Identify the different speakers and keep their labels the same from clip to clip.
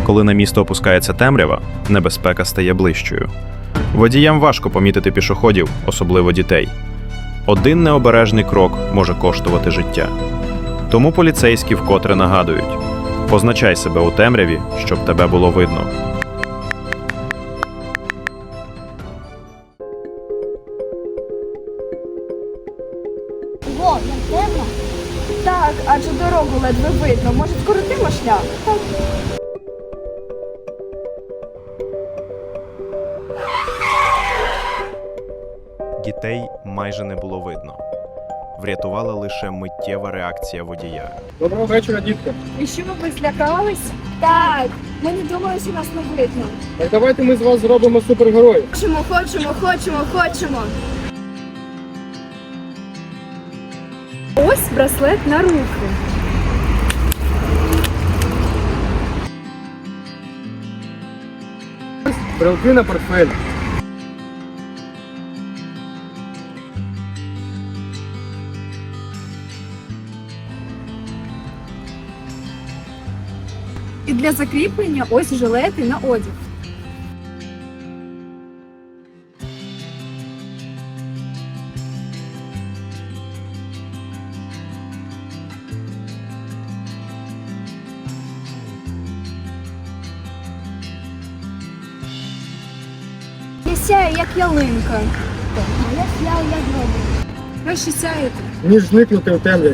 Speaker 1: Коли на місто опускається темрява, небезпека стає ближчою. Водіям важко помітити пішоходів, особливо дітей. Один необережний крок може коштувати життя. Тому поліцейські вкотре нагадують: позначай себе у темряві, щоб тебе було видно.
Speaker 2: Во, не темно?
Speaker 3: Так, адже дорогу ледве видно. Може, скоротимо шлях? Так.
Speaker 1: Дітей майже не було видно. Врятувала лише миттєва реакція водія.
Speaker 4: Доброго вечора, дітки.
Speaker 3: І що ви злякались? Так, ми не думали, що нас не видно.
Speaker 4: Так давайте ми з вас зробимо супергероїв.
Speaker 3: Хочемо. Ось браслет на руку.
Speaker 4: Брелки на портфель.
Speaker 3: І для закріплення ось жилети на одяг.
Speaker 2: Я сяю, як ялинка. А я сяю, як гробик.
Speaker 3: Ви ще сяєте.
Speaker 4: Ніж зникнути в темряві.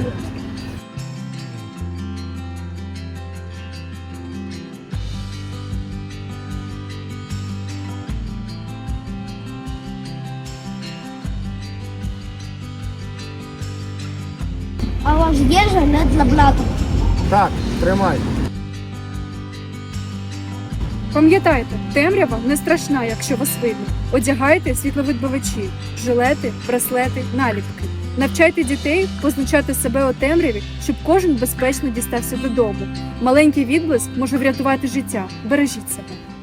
Speaker 2: А у вас є жилет для брата?
Speaker 4: Так, тримай.
Speaker 3: Пам'ятайте, темрява не страшна, якщо вас видно. Одягайте світловідбивачі, жилети, браслети, наліпки. Навчайте дітей позначати себе у темряві, щоб кожен безпечно дістався додому. Маленький відблиск може врятувати життя. Бережіть себе.